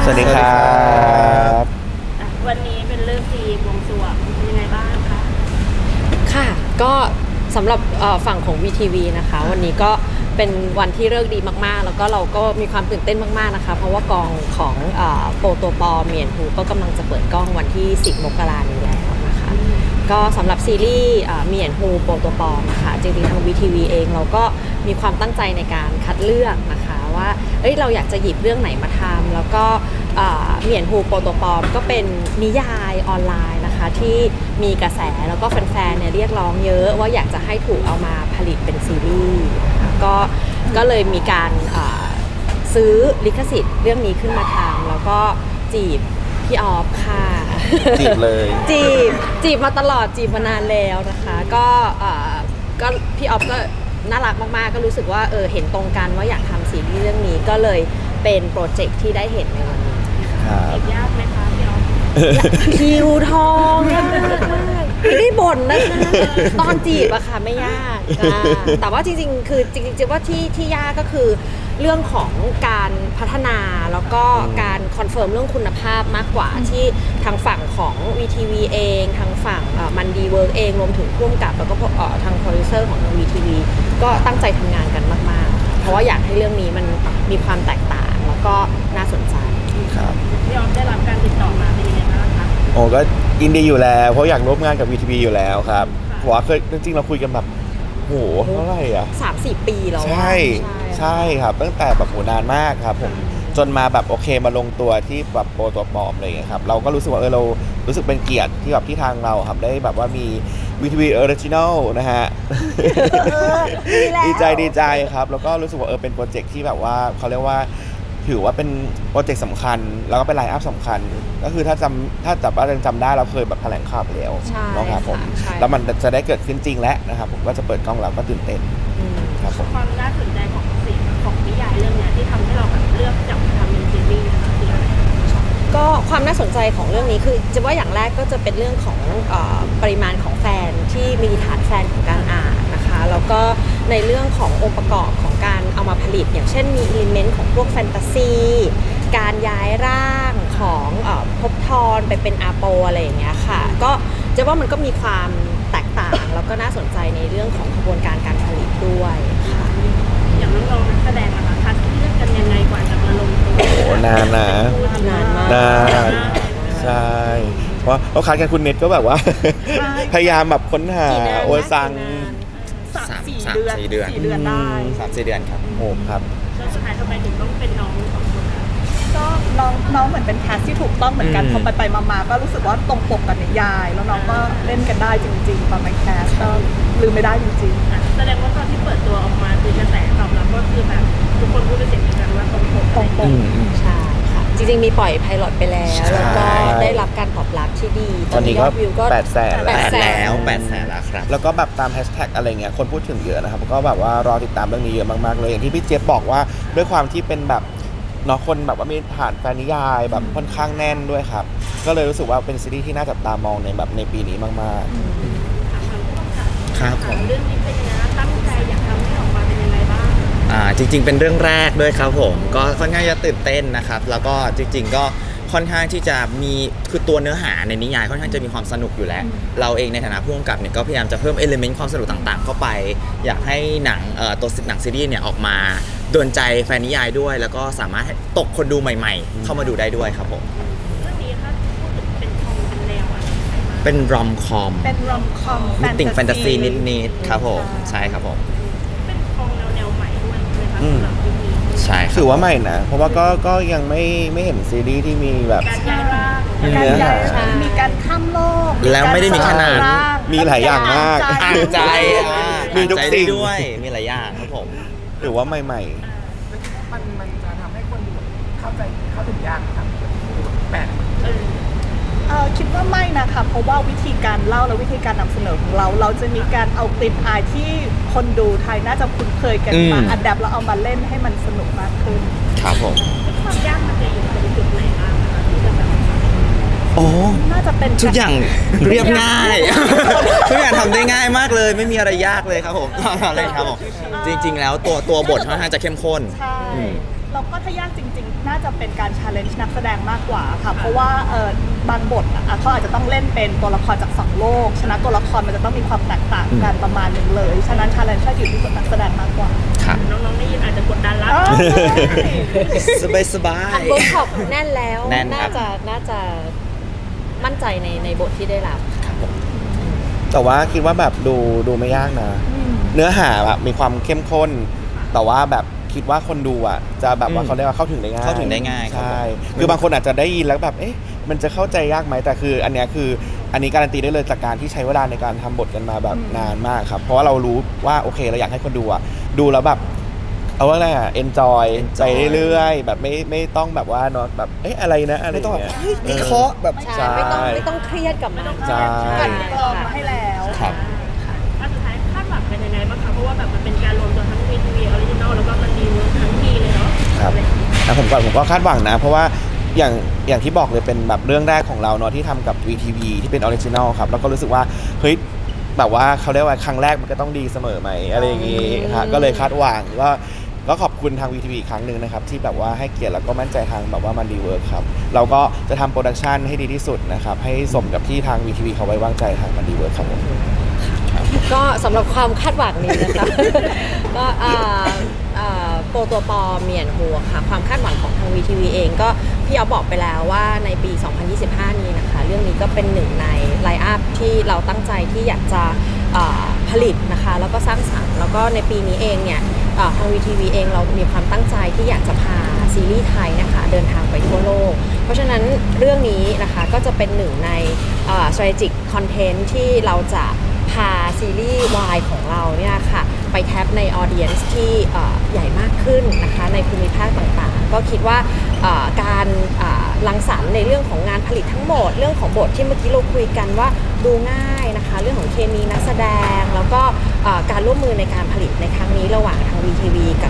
สวัสดีครับวันนี้เป็นเรื่องดีบวงสรวงเป็นยังไงบ้างคะค่ะก็สำหรับฝั่งของ VTV นะคะวันนี้ก็เป็นวันที่เลิกดีมากๆแล้วก็เราก็มีความตื่นเต้นมากๆนะคะเพราะว่ากองของโปรโตปอเมียนฮูก็กำลังจะเปิดกล้องวันที่10 มกราคมนี้แล้วนะคะก็สำหรับซีรีส์เมียนฮูโปรโตปอนะคะจริงๆทาง VTV เองเราก็มีความตั้งใจในการคัดเลือกนะคะว่าเราอยากจะหยิบเรื่องไหนมาทำแล้วก็เมียนฮูโปรโตปอก็เป็นนิยายออนไลน์นะคะที่มีกระแสแล้วก็แฟนๆเนี่ยเรียกร้องเยอะว่าอยากจะให้ถูกเอามาผลิตเป็นซีรีส์ก็เลยมีการซื้อลิขสิทธิ์เรื่องนี้ขึ้นมาทำแล้วก็จีบพี่ออฟค่ะจีบเลยจีบมาตลอดจีบมานานแล้วนะคะก็พี่ออฟก็น่ารักมากๆก็รู้สึกว่าเห็นตรงกันว่าอยากทำซีรีส์เรื่องนี้ก็เลยเป็นโปรเจกต์ที่ได้เห็นในวันนี้ครับยากไหมคะพี่ออฟคิวทองยากมากไม่ได้บ่นนะคะตอนจีบอะค่ะไม่ยากแต่ว่าจริงๆคือจริงๆว่าที่ยากก็คือเรื่องของการพัฒนาแล้วก็การคอนเฟิร์มเรื่องคุณภาพมากกว่าที่ทางฝั่งของ VTV เองทางฝั่งมันดีเวิร์กเองรวมถึงร่วมกับแล้วก็ทางโปรดิวเซอร์ของทาง VTV ก็ตั้งใจทำงานกันมากๆเพราะว่าอยากให้เรื่องนี้มันมีความแตกต่างแล้วก็น่าสนใจครับพี่ออฟได้รับการติดต่อมาเป็นยังไงบ้างคะโอ้ก็ยินดีอยู่แล้วเพราะอยากร่วมงานกับ VTV อยู่แล้วครับเพราะว่าเคยจริงๆเราคุยกันแบบโหเท่าไหร่อ่ะ 3-4 ปีแล้วใช่ครับตั้งแต่แบบโหนานมากครับผมจนมาแบบโอเคมาลงตัวที่แบบโปรตัวปลอมอะไรอย่างเงี้ยครับเราก็รู้สึกว่าเรารู้สึกเป็นเกียรติที่แบบที่ทางเราครับได้แบบว่ามี VTV Original นะฮะดีใจครับแล้วก็รู้สึกว่าเป็นโปรเจกต์ที่แบบว่าเขาเรียกว่าถือว่าเป็นโปรเจกต์สำคัญแล้วก็เป็นไลน์อัพสำคัญก็คือถ้าจับว่ายังจำได้เราเคยแบบแถลงข่าวไปแล้วนะครับผมแล้วมันจะได้เกิดขึ้นจริงแล้วนะครับผมก็จะเปิดกล้องแล้วก็ตื่นเต้นครับผมความน่าสนใจของสิ่งของนิยายเรื่องนี้ที่ทำให้เราแบบเลือกจับทำเป็นซีรีส์นะคะคืออะไรก็ความน่าสนใจของเรื่องนี้คือจะว่าอย่างแรกก็จะเป็นเรื่องของปริมาณของแฟนที่มีฐานแฟนของการอ่านนะคะแล้วก็ในเรื่องขององค์ประกอบของการเอามาผลิตอย่างเช่นมีอิเลเมนต์ของพวกแฟนตาซีการย้ายร่างของภพทรไปเป็นอาโปอะไรอย่างเงี้ยค่ะก็จะว่ามันก็มีความแตกต่างแล้วก็น่าสนใจในเรื่องของกระบวนการการผลิตด้วยค่ะอย่างน้องๆนักแสดงนะคะคัดเลือกกันยังไงกว่าจะมาลงตัวโอ้นานมากใช่เพราะเราคัดกันคุณเน็ตก็แบบว่าพยายามแบบค้นหาโอซัง 4 เดือนได้ 3-4 เดือนครับโอ้ครับสุดท้ายทำไมถึงต้องเป็นน้อง2 คนคะก็น้องเหมือนเป็นแคสที่ถูกต้องเหมือนกันพอไปมาก็รู้สึกว่าตรงปกกับนิยายแล้วน้องก็เล่นกันได้จริงๆตอนไปแคสก็ลืมไม่ได้จริงๆแสดงว่าตอนที่เปิดตัวออกมาคือกระแสตอบรับก็คือแบบทุกคนพูดเป็นเสียงเดียวกันว่าตรงปกใช่ค่ะจริงๆมีปล่อยไพลอตไปแล้วแล้วก็ได้รับการตอบรับที่ดีตอนนี้ก็วิวก็800,000 แล้วครับแล้วก็แบบตามแฮชแท็กอะไรเงี้ยคนพูดถึงเยอะนะครับก็แบบว่ารอติดตามเรื่องนี้เยอะมากๆเลยอย่างที่พี่เจี๊ยบบอกว่าด้วยความที่เป็นแบบเนาะคนแบบว่ามีฐานแฟนนิยายแบบค่อนข้างแน่นด้วยครับก็เลยรู้สึกว่าเป็นซีรีส์ที่น่าจับตามองในแบบในปีนี้มากๆครับผมเรื่องนี้เป็นยังไงตั้งใจอยากทำให้ออกมาเป็นยังไงบ้างจริงๆเป็นเรื่องแรกด้วยครับผมก็ค่อนข้างจะตื่นเต้นนะครับแล้วก็จริงๆก็ค่อนข้างที่จะมีคือตัวเนื้อหาในนิยายค่อนข้างจะมีความสนุกอยู่แล้วเราเองในฐานะผู้กำกับเนี่ยก็พยายามจะเพิ่มเอลิเมนต์ความสนุกต่างๆเข้าไปอยากให้หนังตัวหนังซีรีส์เนี่ยออกมาโดนใจแฟนนิยายด้วยแล้วก็สามารถตกคนดูใหม่ๆเข้ามาดูได้ด้วยครับผมเรื่องนี้ถ้าพูดถึงเป็นคอมเป็นแนวอะไรเป็นรอมคอมมีติ่งแฟนตาซีนิดๆครับผมใช่ครับผมเป็นคอมแนวใหม่ด้วยนะคะสำหรับเรื่องนี้ใช่ถือว่าใหม่นะเพราะว่าก็ยังไม่เห็นซีรีส์ที่มีแบบการย้ายร่างเนื้อหามีการข้ามโลกแล้วไม่ได้มีแค่นั้นมีหลายอย่างมากอ่านใจมีทุกสิ่งด้วยมีหลายอย่างครับผมถือว่าใหม่มันจะทำให้คนดูเข้าถึงยากครับแปลกคิดว่าไม่นะคะเพราะว่าวิธีการเล่าและวิธีการนำเสนอของเราจะมีการเอากลิ่นอายที่คนดูไทยน่าจะคุ้นเคยกันมาอัดแอปแล้วเอามาเล่นให้มันสนุกมากขึ้นครับผมความยากมันจะอยู่ตรงจุดไหนบ้างคะที่จะแบบโอ้น่าจะเป็นทุกอย่างเรียบง่ายทุกอย่างทำได้ง่ายมากเลยไม่มีอะไรยากเลยครับผมอะไรครับผมจริงๆแล้วตัวบทค่อนข้างจะเข้มข้นเราก็ถ้ายากจริงๆ น่าจะเป็นการ challenge นักแสดงมากกว่าค่ะ เพราะว่าบางบทเขาอาจจะต้องเล่นเป็นตัวละครจากสองโลก ฉะนั้นตัวละครมันจะต้องมีความแตกต่างกันประมาณหนึ่งเลย ฉะนั้น challenge อยู่ที่นักแสดงมากกว่าครับน้องๆได้ยินอาจจะกดดันละสบายสบาอัยนเวิร์กช็อปแน่นแล้วแน่นครับน่าจะมั่นใจในบทที่ได้รับแต่ว่าคิดว่าแบบดูไม่ยากนะ เนื้อหาแบบมีความเข้มข้น แต่ว่าแบบคิดว่าคนดูอ่ะจะแบบว่าเขาเรียกว่าเข้าถึงได้ง่ายเข้าถึงได้ง่ายครับใช่คือบางคนอาจจะได้ยินแล้วแบบเอ๊ะมันจะเข้าใจยากไหมแต่คืออันเนี้ยคืออันนี้การันตีได้เลยจากการที่ใช้เวลาในการทำบทกันมาแบบนานมากครับเพราะว่าเรารู้ว่าโอเคเราอยากให้คนดูอ่ะดูแล้วแบบเอาว่าอะไรอ่ะ enjoy ไปเรื่อยๆแบบไม่ต้องแบบว่าเนาะแบบเอ๊ะอะไรนะอะไรไม่ต้องแบบเงี้ยเฮ้ยวิเคราะห์แบบใช่ใช่ไม่ต้องเครียดกับมันใช่กันกรองมาให้แล้วครับว่าสุดท้ายคาดหวังเป็นยังไงบ้างคะเพราะว่าแบบมันเป็นการรวมตัวทั้ง VTV Original แล้วก็มันดีเวิร์คทั้งทีเลยเนาะครับแต่ผมก็คาดหวังนะ เพราะว่าอย่างที่บอกเลยเป็นแบบเรื่องแรกของเราเนาะที่ทำกับ VTV ที่เป็นออริจินอลครับแล้วก็รู้สึกว่าเฮ้ยแบบว่าเขาเรียกว่าครั้งแรกมันก็ต้องดีเสมอไหมอะไรอย่างงี้ค่ะก็เลยคาดหวังก็ขอบคุณทาง VTV อีกครั้งหนึ่งนะครับที่แบบว่าให้เกียรติแล้วก็มั่นใจทางแบบว่ามันดีเวิร์คครับเราก็จะทำโปรดักชันให้ดีที่สุดนะครับให้สมกับที่ทาง VTV เขาไว้วางใจทางมันดีเวิร์คครับผมก็สำหรับความคาดหวังนี้นะคะ ก็โปรตัวปอเมียนหัวค่ะความคาดหวังของทาง VTV เองก็พี่เอาบอกไปแล้วว่าในปี 2025 นี้นะคะเรื่องนี้ก็เป็นหนึ่งในไลน์อัพที่เราตั้งใจที่อยากจะผลิตนะคะแล้วก็สร้างสรรค์แล้วก็ในปีนี้เองเนี่ยทาง VTV เองเรามีความตั้งใจที่อยากจะพาซีรีส์ไทยนะคะเดินทางไปทั่วโลกเพราะฉะนั้นเรื่องนี้นะคะก็จะเป็นหนึ่งในstrategic content ที่เราจะพาซีรีส์วายของเราเนี่ยค่ะไปแทปในออเดียนซ์ที่ใหญ่มากขึ้นนะคะในภูมิภาคต่างๆก็คิดว่าการรังสรรค์ในเรื่องของงานผลิตทั้งหมดเรื่องของบทที่เมื่อกี้เราคุยกันว่าดูง่ายนะคะเรื่องของเคมีนักแสดงแล้วก็การร่วมมือในการผลิตในครั้งนี้ระหว่างทาง VTV